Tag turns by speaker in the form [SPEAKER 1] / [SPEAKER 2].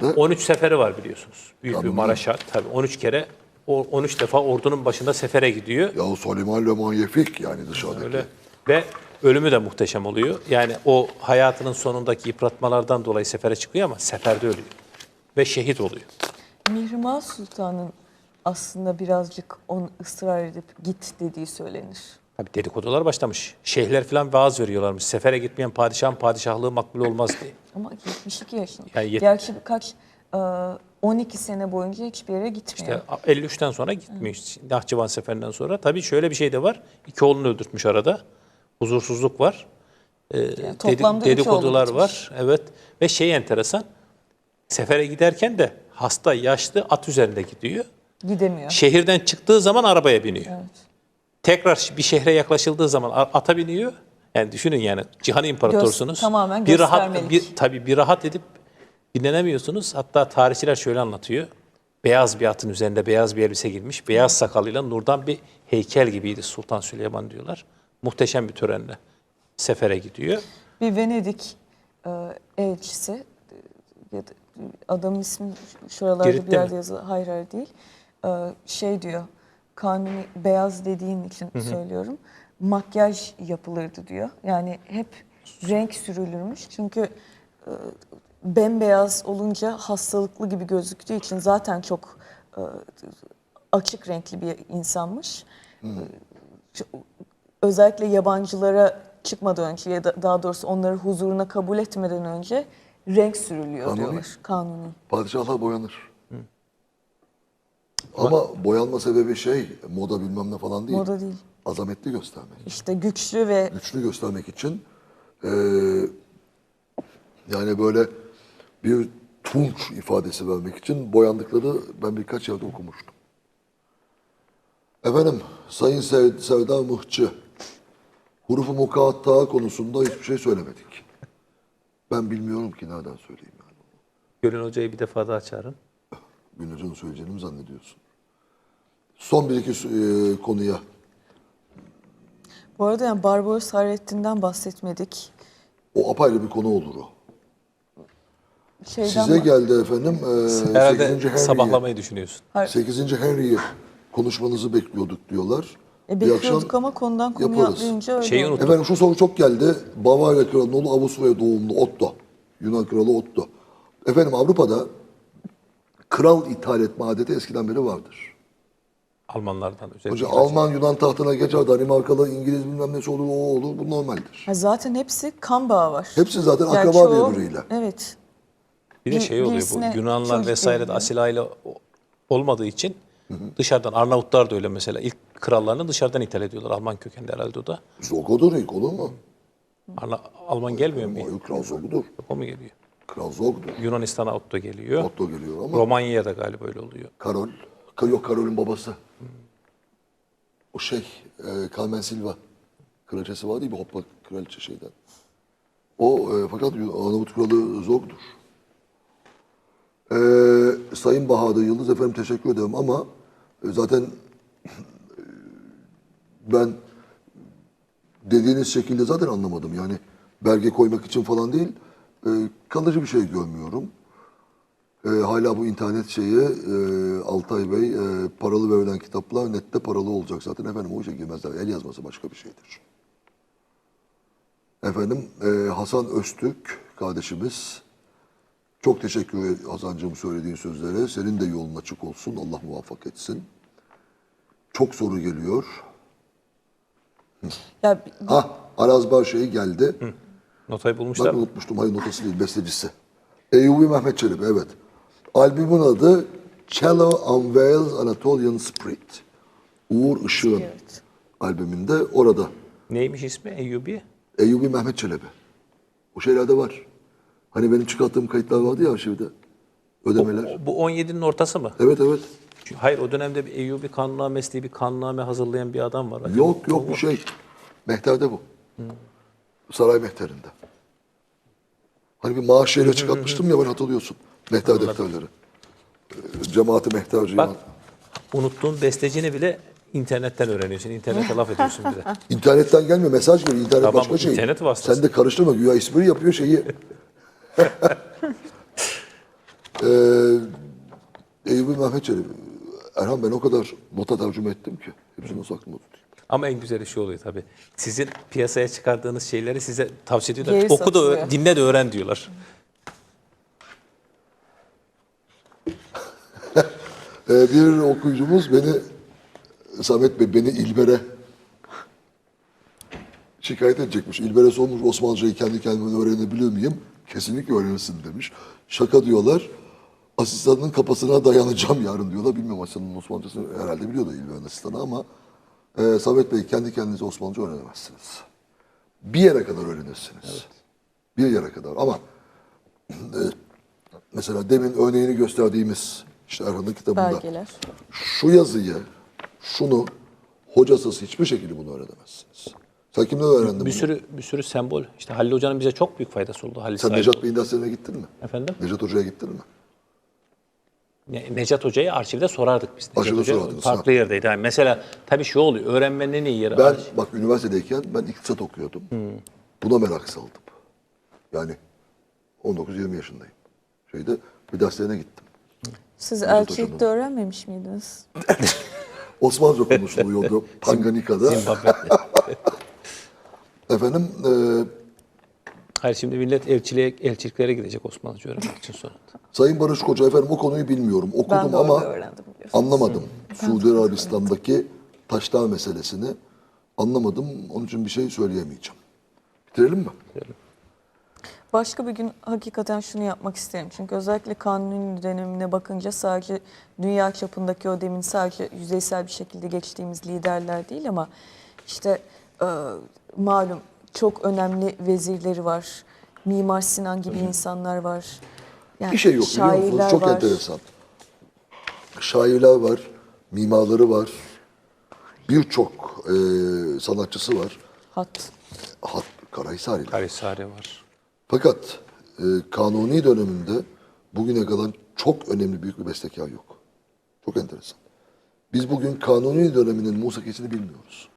[SPEAKER 1] nerede?
[SPEAKER 2] 13 seferi var biliyorsunuz. Büyük bir
[SPEAKER 1] Kanuni.
[SPEAKER 2] Maraş'a tabii 13 kere 13 defa ordunun başında sefere gidiyor.
[SPEAKER 1] Ya Süleyman Le Magnifique yani dışarıdaki.
[SPEAKER 2] Öyle. Ve ölümü de muhteşem oluyor. Yani o hayatının sonundaki yıpratmalardan dolayı sefere çıkıyor ama seferde ölüyor. Ve şehit oluyor.
[SPEAKER 3] Mihrimah Sultan'ın aslında birazcık onu ısrar edip git dediği söylenir.
[SPEAKER 2] Tabii dedikodular başlamış. Şeyhler falan vaaz veriyorlarmış. Sefere gitmeyen padişahın padişahlığı makbul olmaz diye.
[SPEAKER 3] Ama 72 yaşında.
[SPEAKER 2] Yani
[SPEAKER 3] Gerçi 12 sene boyunca hiçbir yere gitmiyor.
[SPEAKER 2] İşte 53'ten sonra gitmiş. Nahçıvan Seferi'nden sonra. Tabii şöyle bir şey de var. 2 oğlunu öldürtmüş arada. Huzursuzluk var.
[SPEAKER 3] Yani toplamda 3
[SPEAKER 2] Dedikodular
[SPEAKER 3] oğlu
[SPEAKER 2] var. Evet. Ve şey enteresan. Sefere giderken de hasta, yaşlı at üzerinde gidiyor.
[SPEAKER 3] Gidemiyor.
[SPEAKER 2] Şehirden çıktığı zaman arabaya biniyor.
[SPEAKER 3] Evet.
[SPEAKER 2] Tekrar bir şehre yaklaşıldığı zaman ata biniyor. Yani düşünün yani cihan imparatorsunuz.
[SPEAKER 3] Tamamen
[SPEAKER 2] bir rahat,
[SPEAKER 3] göstermelik.
[SPEAKER 2] tabii bir rahat edip dinlenemiyorsunuz. Hatta tarihçiler şöyle anlatıyor. Beyaz bir atın üzerinde beyaz bir elbise giymiş. Beyaz sakalıyla nurdan bir heykel gibiydi Sultan Süleyman diyorlar. Muhteşem bir törenle sefere gidiyor.
[SPEAKER 3] Bir Venedik elçisi, ya da adamın ismi şuralarda
[SPEAKER 2] Girit'te
[SPEAKER 3] bir yerde
[SPEAKER 2] mi?
[SPEAKER 3] yazılı. Hayır hayır değil. Şey diyor, Kanuni beyaz dediğin için söylüyorum. Makyaj yapılırdı diyor. Yani hep renk sürülürmüş. Çünkü bembeyaz olunca hastalıklı gibi gözüktüğü için zaten çok açık renkli bir insanmış. Özellikle yabancılara çıkmadan önce ya da daha doğrusu onları huzuruna kabul etmeden önce renk sürülüyor
[SPEAKER 1] Kanuni.
[SPEAKER 3] diyorlar. Kanuni.
[SPEAKER 1] Padişahlar boyanır. Ama boyanma sebebi moda bilmem ne falan değil.
[SPEAKER 3] Moda değil.
[SPEAKER 1] Azametli göstermek.
[SPEAKER 3] İşte güçlü ve
[SPEAKER 1] Güçlü göstermek için yani böyle bir tunç ifadesi vermek için boyandıkları ben birkaç yerde okumuştum. Efendim, Sayın Sevda Mıhçı, hurufu mukatta konusunda hiçbir şey söylemedik. Ben bilmiyorum ki nereden söyleyeyim yani.
[SPEAKER 2] Gönül Hoca'yı bir defa daha çağırın.
[SPEAKER 1] Gülün Hoca'nın söyleyeceğini mi zannediyorsun? Son bir iki konuya.
[SPEAKER 3] bu arada yani Barbaros Hayrettin'den bahsetmedik.
[SPEAKER 1] O apayrı bir konu olur o.
[SPEAKER 3] Şeyden
[SPEAKER 1] Size geldi efendim. 8.
[SPEAKER 2] Herhalde
[SPEAKER 1] Henry'yi.
[SPEAKER 2] sabahlamayı düşünüyorsun.
[SPEAKER 1] 8. Henry'yi konuşmanızı bekliyorduk diyorlar.
[SPEAKER 3] bekliyorduk ama konudan konuya
[SPEAKER 1] yaparız.
[SPEAKER 3] atlayınca öyle
[SPEAKER 2] Şeyi
[SPEAKER 3] oldu.
[SPEAKER 2] unuttum.
[SPEAKER 1] Efendim şu soru çok geldi. Bavarya Kralı'nın oğlu Avusturya doğumlu Otto. Yunan Kralı Otto. Efendim Avrupa'da kral ithal etme adeti eskiden beri vardır.
[SPEAKER 2] Almanlardan özellikle.
[SPEAKER 1] Önce Alman Yunan tahtına geçer, Danimarkalı, İngiliz bilmem nesi olur, o olur. Bu normaldir.
[SPEAKER 3] Ha, zaten hepsi kan bağı var.
[SPEAKER 1] Hepsi zaten
[SPEAKER 3] Yani
[SPEAKER 1] akraba
[SPEAKER 3] çoğu-
[SPEAKER 1] birbiriyle.
[SPEAKER 3] Evet.
[SPEAKER 2] Bir de şey oluyor
[SPEAKER 3] birisine
[SPEAKER 2] bu Yunanlar
[SPEAKER 3] çocuk
[SPEAKER 2] vesaire de
[SPEAKER 3] veriliyor.
[SPEAKER 2] asil aile olmadığı için dışarıdan Arnavutlar da öyle mesela ilk krallarını dışarıdan ithal ediyorlar. Alman kökenli herhalde o da.
[SPEAKER 1] Zogo'dur ilk olur mu?
[SPEAKER 2] Alman gelmiyor mu?
[SPEAKER 1] O Kral Zog'dur.
[SPEAKER 2] O mu geliyor?
[SPEAKER 1] Kral Zog'dur.
[SPEAKER 2] Yunanistan'a Otto geliyor.
[SPEAKER 1] Otto geliyor ama
[SPEAKER 2] Romanya'ya da galiba öyle oluyor.
[SPEAKER 1] Karol. Yok Karol'ün babası. O Carmen Silva. Kraliçesi var değil mi? Hoppa kraliçe şeyden. O fakat Arnavut kralı Zog'dur. Sayın Bahadır Yıldız efendim teşekkür ederim ama zaten ben dediğiniz şekilde zaten anlamadım. Yani belge koymak için falan değil. Kalıcı bir şey görmüyorum. Hala bu internet Altay Bey paralı verilen kitaplar nette paralı olacak zaten. Efendim o işe girmezler. El yazması başka bir şeydir. Efendim Hasan Öztürk kardeşimiz çok teşekkür ederim Hasan'cığım söylediğin sözlere. Senin de yolun açık olsun. Allah muvaffak etsin. Çok soru geliyor.
[SPEAKER 3] Ya,
[SPEAKER 1] Arazbar geldi.
[SPEAKER 2] Notayı
[SPEAKER 1] Ben
[SPEAKER 2] bulmuşlar mı?
[SPEAKER 1] unutmuştum. Hayır notası değil, bestecisi. Eyyubi Mehmet Çelebi, evet. Albümün adı Cello Unveils Anatolian Spirit. Uğur Işık'ın
[SPEAKER 3] Evet.
[SPEAKER 1] albümünde orada.
[SPEAKER 2] Neymiş ismi? Eyyubi?
[SPEAKER 1] Eyyubi Mehmet Çelebi. O şeylerde var. Hani benim çıkarttığım kayıtlar vardı ya arşivde. Ödemeler.
[SPEAKER 2] Bu 17'nin ortası mı?
[SPEAKER 1] Evet evet.
[SPEAKER 2] Hayır o dönemde bir Eyyubi Kanunnamesi diye bir kanunname hazırlayan bir adam var.
[SPEAKER 1] Yok bu Mehter'de bu. Saray Mehter'inde. Hani bir maaş şeyle çıkartmıştım ya ben hatırlıyorsun. Mehter defterleri. Cemaati Mehterci.
[SPEAKER 2] Bak unuttuğun bestecini bile internetten öğreniyorsun. İnternete laf ediyorsun bir de.
[SPEAKER 1] İnternetten gelmiyor mesaj geliyor. İnternet
[SPEAKER 2] Tamam,
[SPEAKER 1] başka şey.
[SPEAKER 2] internet vasıtası.
[SPEAKER 1] Sen de karıştırma güya espri yapıyor şeyi. Eyüp Mehmet Çelebi. Erhan ben o kadar nota tercüme ettim ki. Hepsini nasıl aklımda tutayım.
[SPEAKER 2] Ama en güzeli şu oluyor tabii. Sizin piyasaya çıkardığınız şeyleri size tavsiye ediyorlar.
[SPEAKER 3] Geri
[SPEAKER 2] Oku da
[SPEAKER 3] satılıyor.
[SPEAKER 2] dinle de öğren diyorlar.
[SPEAKER 1] Bir okuyucumuz Samet Bey beni İlber'e şikayet edecekmiş. İlber'e sormuş Osmanlıcayı kendi kendime öğrenebiliyor muyum? Kesinlikle öğrenirsin demiş. Şaka diyorlar. Asistanının kafasına dayanacağım yarın diyorlar. Bilmiyorum asistanın Osmanlıcasını herhalde biliyor da İlber'in asistanı ama Samet Bey kendi kendinize Osmanlıca öğrenemezsiniz. Bir yere kadar öğrenirsiniz. Evet. Bir yere kadar ama mesela demin örneğini gösterdiğimiz işte Erhan'ın kitabında
[SPEAKER 3] Belgeler.
[SPEAKER 1] şu yazıyı, şunu hocasız hiçbir şekilde bunu öğrenemezsiniz. Sen kimden öğrendin bunu?
[SPEAKER 2] Bir sürü sembol. İşte Halil Hoca'nın bize çok büyük faydası oldu. Halil
[SPEAKER 1] Sen
[SPEAKER 2] Said.
[SPEAKER 1] Necat Bey'in derslerine gittin mi?
[SPEAKER 2] Efendim?
[SPEAKER 1] Necat Hoca'ya gittin mi?
[SPEAKER 2] Necat Hoca'yı arşivde sorardık biz. Necat
[SPEAKER 1] Arşivde
[SPEAKER 2] Hoca
[SPEAKER 1] sorardınız,
[SPEAKER 2] farklı yerdeydi. Yani mesela tabii şu oluyor. Öğrenmenin en iyi yeri
[SPEAKER 1] Ben bak üniversitedeyken ben iktisat okuyordum. Buna merak saldım. Yani 19-20 yaşındayım. Bir derslerine gittim.
[SPEAKER 3] Siz
[SPEAKER 1] Hoca'nın.
[SPEAKER 3] elçilikte öğrenmemiş miydiniz?
[SPEAKER 1] Osmanlıca konuştum o yolda Tanganyika'da.
[SPEAKER 2] Zimbabwe.
[SPEAKER 1] Efendim
[SPEAKER 2] Hayır şimdi millet elçiliklere gidecek Osmanlıca öğrenmek için sonra.
[SPEAKER 1] Sayın Barış Koca efendim o konuyu bilmiyorum.
[SPEAKER 3] Ben
[SPEAKER 1] Okudum
[SPEAKER 3] de
[SPEAKER 1] ama
[SPEAKER 3] orada öğrendim biliyorsunuz.
[SPEAKER 1] anlamadım. Suudi Arabistan'daki taşlar meselesini anlamadım. Onun için bir şey söyleyemeyeceğim. Bitirelim mi?
[SPEAKER 3] Başka bir gün hakikaten şunu yapmak isterim. Çünkü özellikle Kanuni dönemine bakınca sadece dünya çapındaki o demin sadece yüzeysel bir şekilde geçtiğimiz liderler değil ama işte malum çok önemli vezirleri var. Mimar Sinan gibi insanlar var. Yani
[SPEAKER 1] Bir şey yok biliyor musunuz?
[SPEAKER 3] şairler
[SPEAKER 1] Çok
[SPEAKER 3] var.
[SPEAKER 1] enteresan. Şairler var, mimarları var. Birçok sanatçısı var.
[SPEAKER 3] Hat.
[SPEAKER 1] Karahisari'ler.
[SPEAKER 2] Kayseri var.
[SPEAKER 1] Fakat Kanuni döneminde bugüne kadar çok önemli büyük bir bestekar yok. Çok enteresan. Biz bugün Kanuni döneminin musikisini bilmiyoruz.